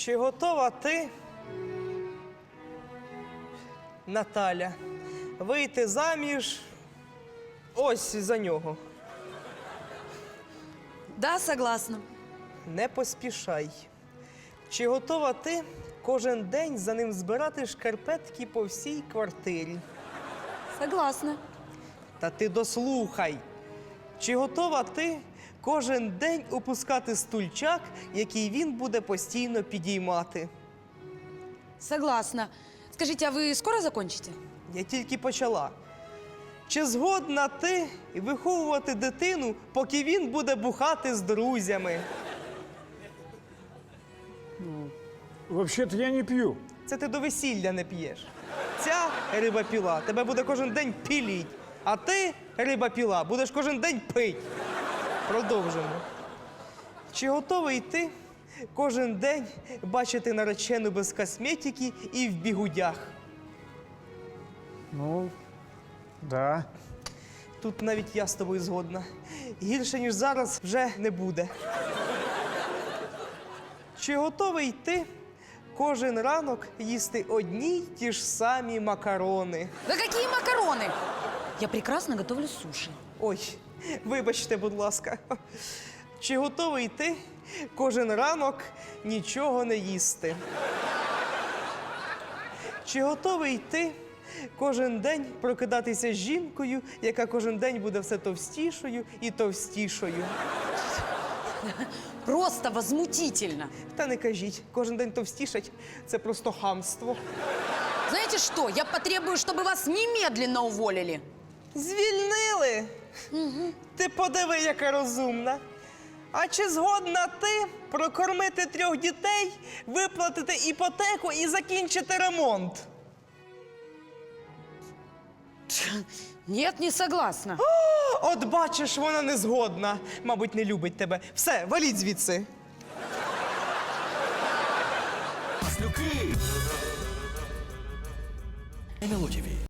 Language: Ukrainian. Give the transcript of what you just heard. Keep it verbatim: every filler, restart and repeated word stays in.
Чи готова ти, Наталя, вийти заміж ось за нього? Да, согласна. Не поспішай. Чи готова ти кожен день за ним збирати шкарпетки по всій квартирі? Согласна. Та ти дослухай. Чи готова ти кожен день опускати стульчак, який він буде постійно підіймати? Согласна. Скажите, а вы скоро закончите? Я тільки почала. Чи згодна ти виховувати дитину, поки він буде бухати з друзями? Вообще-то я не пью. Це ти до весілля не п'єш. Ця риба-піла тебе буде кожен день піліть, а ти, риба-піла, будеш кожен день пить. Продовжимо. Чи готовий ти кожен день бачити наречену без косметики і в бігудях? Ну, да. Тут навіть я з тобою згодна. Гірше, ніж зараз, вже не буде. Чи готовий ти кожен ранок їсти одні й ті ж самі макарони? Да какие макароны? Я прекрасно готовлю суши. Ой, вибачте, будь ласка. Чи готовий ти кожен ранок нічого не їсти? Чи готовий ти кожен день прокидатися з жінкою, яка кожен день буде все товстішою і товстішою? Просто возмутительно. Та не кажіть, кожен день товстішать – це просто хамство. Знаете что? Я потребую, чтобы вас немедленно уволили. Звільнили? Ти подиви, яка розумна. А чи згодна ти прокормити трьох дітей, виплатити іпотеку і закінчити ремонт? Нет, не согласна. От бачиш, вона не згодна. Мабуть, не любить тебе. Все, валіть звідси. Маслюки. ен ел о ті ві.